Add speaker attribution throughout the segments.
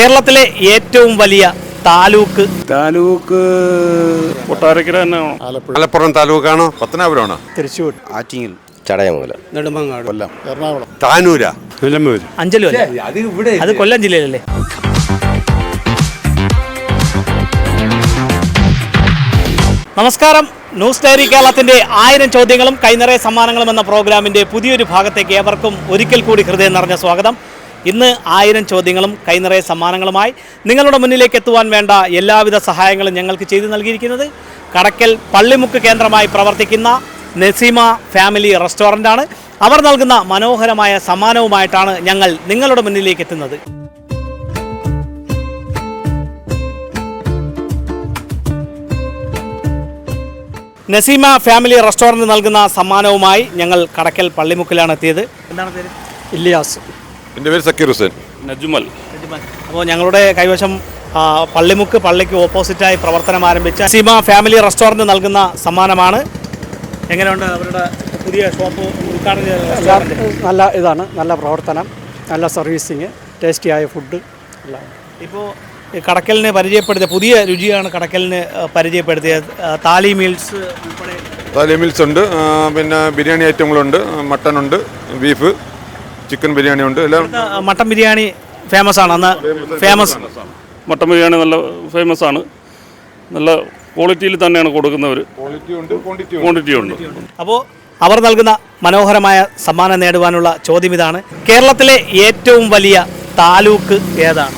Speaker 1: കേരളത്തിലെ ഏറ്റവും വലിയ താലൂക്ക്
Speaker 2: കൊട്ടാരക്കര തന്നെയാണോ?
Speaker 3: മലപ്പുറം താലൂക്കാണോ? പത്തനാപുരമാണോ?
Speaker 4: തൃശ്ശൂർ,
Speaker 3: ആറ്റിങ്ങൽ,
Speaker 5: ചടയമംഗലം,
Speaker 4: നെടുമങ്ങാട്,
Speaker 3: കൊല്ലം,
Speaker 4: എറണാകുളം,
Speaker 3: താനൂര,
Speaker 2: നിലമ്പൂര്.
Speaker 1: അഞ്ചലും അല്ലേ? അത് കൊല്ലം ജില്ലയിലല്ലേ? നമസ്കാരം. ന്യൂസ് ഡയറി കേരളത്തിന്റെ 1000 ചോദ്യങ്ങളും കൈനിറയ സമ്മാനങ്ങളും എന്ന പ്രോഗ്രാമിന്റെ പുതിയൊരു ഭാഗത്തേക്ക് ഏവർക്കും ഒരിക്കൽ കൂടി ഹൃദയം നിറഞ്ഞ സ്വാഗതം. ഇന്ന് 1000 ചോദ്യങ്ങളും കൈനിറയ സമ്മാനങ്ങളുമായി നിങ്ങളുടെ മുന്നിലേക്ക് എത്തുവാൻ വേണ്ട എല്ലാവിധ സഹായങ്ങളും ഞങ്ങൾക്ക് ചെയ്തു നൽകിയിരിക്കുന്നത് കടക്കൽ പള്ളിമുക്ക് കേന്ദ്രമായി പ്രവർത്തിക്കുന്ന നസീമ ഫാമിലി റെസ്റ്റോറൻ്റാണ്. അവർ നൽകുന്ന മനോഹരമായ സമ്മാനവുമായിട്ടാണ് ഞങ്ങൾ നിങ്ങളുടെ മുന്നിലേക്ക് എത്തുന്നത്. നസീമ ഫാമിലി റെസ്റ്റോറൻറ്റ് നൽകുന്ന സമ്മാനവുമായി ഞങ്ങൾ കടക്കൽ പള്ളിമുക്കിലാണ് എത്തിയത്. എന്താണ് പേര്?
Speaker 4: ഇല്ലിയാസ്.
Speaker 3: എൻ്റെ പേര് സക്കീർ ഹുസൈൻ.
Speaker 2: നജുമൽ.
Speaker 1: അപ്പോൾ ഞങ്ങളുടെ കൈവശം പള്ളിമുക്ക് പള്ളിക്ക് ഓപ്പോസിറ്റായി പ്രവർത്തനം ആരംഭിച്ച നസീമ ഫാമിലി റെസ്റ്റോറൻറ്റ് നൽകുന്ന സമ്മാനമാണ്. എങ്ങനെയുണ്ട് അവരുടെ പുതിയ ഷോപ്പ് ഉദ്ഘാടനം ചെയ്ത?
Speaker 4: നല്ല ഇതാണ്, നല്ല പ്രവർത്തനം, നല്ല സർവീസിങ്, ടേസ്റ്റിയായ ഫുഡ് എല്ലാം.
Speaker 1: ഇപ്പോൾ കടക്കലിന് പരിചയപ്പെടുത്തിയ പുതിയ രുചിയാണ് കടക്കലിന് പരിചയപ്പെടുത്തിയത്. താലി മീൽസ് ഉൾപ്പെടെ
Speaker 3: താലി മീൽസ് ഉണ്ട്, പിന്നെ ബിരിയാണി ഐറ്റങ്ങളുണ്ട്, മട്ടൺ ഉണ്ട്, ബീഫ്, ചിക്കൻ ബിരിയാണി ഉണ്ട്, എല്ലാം.
Speaker 1: മട്ടൻ ബിരിയാണി ഫേമസ് ആണ്. അന്ന് ഫേമസ്
Speaker 2: മട്ടൻ ബിരിയാണി നല്ല ഫേമസ് ആണ്. നല്ല ക്വാളിറ്റിയിൽ തന്നെയാണ് കൊടുക്കുന്നവർ. ക്വാണ്ടിറ്റി ഉണ്ട്.
Speaker 1: അപ്പോൾ അവർ നൽകുന്ന മനോഹരമായ സമ്മാനം നേടുവാനുള്ള ചോദ്യം ഇതാണ്: കേരളത്തിലെ ഏറ്റവും വലിയ താലൂക്ക് ഏതാണ്?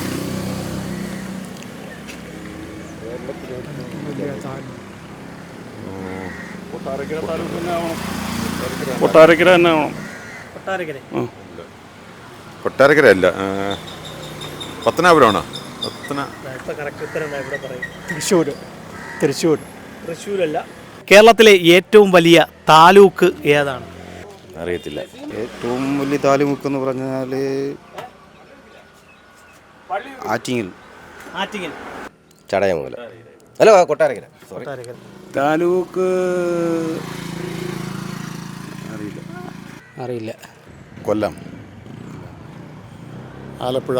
Speaker 2: കൊട്ടാരക്കര തന്നെയാണോ?
Speaker 3: കൊട്ടാരക്കര അല്ല, പത്തനാപുരമാണോ?
Speaker 4: തൃശ്ശൂർ.
Speaker 1: തൃശ്ശൂരല്ല. കേരളത്തിലെ ഏറ്റവും വലിയ താലൂക്ക് ഏതാണ്?
Speaker 5: അറിയത്തില്ല.
Speaker 6: ഏറ്റവും വലിയ താലൂക്ക് എന്ന് പറഞ്ഞാൽ ആറ്റിങ്ങൽ.
Speaker 1: ആറ്റിങ്ങൽ.
Speaker 5: ചടയമംഗലം. അല്ല, കൊട്ടാരക്കര. സോറി.
Speaker 2: താലൂക്ക്
Speaker 4: അറിയില്ല.
Speaker 3: കൊല്ലം.
Speaker 4: ആലപ്പുഴ.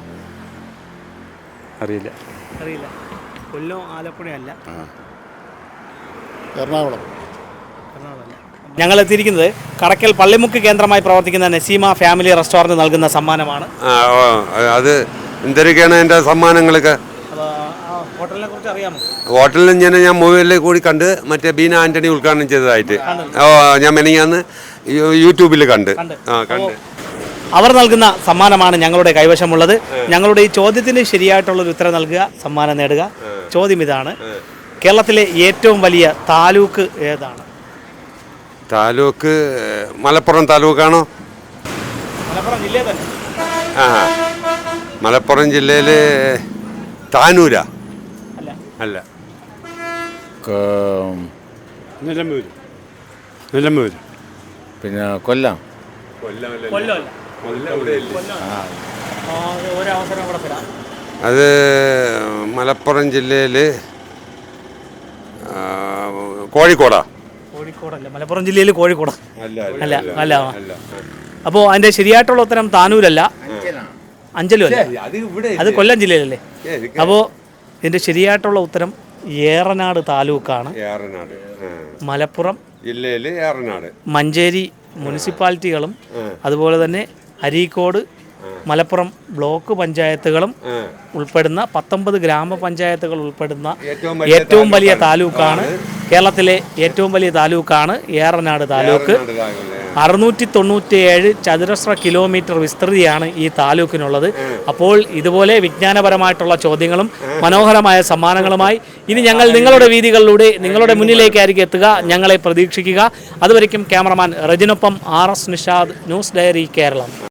Speaker 1: അറിയില്ല. കൊല്ലം ആലപ്പുഴയല്ല.
Speaker 4: എറണാകുളം.
Speaker 1: ഞങ്ങൾ എത്തിയിരിക്കുന്നത് കടക്കൽ പള്ളിമുക്ക് കേന്ദ്രമായി പ്രവർത്തിക്കുന്ന നസീമ ഫാമിലി റെസ്റ്റോറൻറ്റ് നൽകുന്ന സമ്മാനമാണ്.
Speaker 3: അത് എന്തൊക്കെയാണ് എൻ്റെ സമ്മാനങ്ങളൊക്കെ?
Speaker 1: ഹോട്ടലിനെ കുറിച്ച് അറിയാമോ?
Speaker 3: ഹോട്ടലിൽ ഞാൻ മൊബൈലിൽ കൂടി കണ്ട്, മറ്റേ ബീന ആൻ്റണി ഉദ്ഘാടനം ചെയ്തതായിട്ട് ഞാൻ മെനങ്ങാന്ന് യൂട്യൂബിൽ കണ്ട്.
Speaker 1: അവർ നൽകുന്ന സമ്മാനമാണ് ഞങ്ങളുടെ കൈവശമുള്ളത്. ഞങ്ങളുടെ ഈ ചോദ്യത്തിന് ശരിയായിട്ടുള്ളൊരു ഉത്തരം നൽകുക, സമ്മാനം നേടുക. ചോദ്യം ഇതാണ്: കേരളത്തിലെ ഏറ്റവും വലിയ താലൂക്ക് ഏതാണ്?
Speaker 3: താലൂക്ക് മലപ്പുറം താലൂക്കാണോ?
Speaker 1: മലപ്പുറം ജില്ലയിൽ തന്നെ.
Speaker 3: മലപ്പുറം ജില്ലയിൽ താനൂര അല്ല.
Speaker 2: നിലമ്പൂര്.
Speaker 5: പിന്നെ കൊല്ലം.
Speaker 1: കൊല്ലമല്ല. ഒരവസരം കൂടെ തരാം.
Speaker 3: അത് മലപ്പുറം ജില്ലയിൽ കോഴിക്കോടാ?
Speaker 1: കോഴിക്കോടല്ല. മലപ്പുറം ജില്ലയിൽ കോഴിക്കോടാ? അല്ല. അപ്പോൾ അതിൻ്റെ ശരിയായിട്ടുള്ള ഉത്തരം താനൂരല്ല, അഞ്ചലും അല്ല. അത് കൊല്ലം ജില്ലയിലല്ലേ? അപ്പോൾ ഇതിൻ്റെ ശരിയായിട്ടുള്ള ഉത്തരം ഏറനാട് താലൂക്കാണ്. മലപ്പുറം
Speaker 3: ജില്ലയിൽ ഏറനാട്,
Speaker 1: മഞ്ചേരി മുനിസിപ്പാലിറ്റികളും അതുപോലെ തന്നെ അരീക്കോട് മലപ്പുറം ബ്ലോക്ക് പഞ്ചായത്തുകളും ഉൾപ്പെടുന്ന 19 ഗ്രാമപഞ്ചായത്തുകൾ ഉൾപ്പെടുന്ന ഏറ്റവും വലിയ താലൂക്കാണ്. കേരളത്തിലെ ഏറ്റവും വലിയ താലൂക്കാണ് ഏറനാട് താലൂക്ക്. 697 ചതുരശ്ര കിലോമീറ്റർ വിസ്തൃതിയാണ് ഈ താലൂക്കിനുള്ളത്. അപ്പോൾ ഇതുപോലെ വിജ്ഞാനപരമായിട്ടുള്ള ചോദ്യങ്ങളും മനോഹരമായ സമ്മാനങ്ങളുമായി ഇനി ഞങ്ങൾ നിങ്ങളുടെ വീതികളിലൂടെ നിങ്ങളുടെ മുന്നിലേക്കായിരിക്കും എത്തുക. ഞങ്ങളെ പ്രതീക്ഷിക്കുക. അതുവരയ്ക്കും ക്യാമറമാൻ റജിനൊപ്പം RS Nishad, news diary Keralam.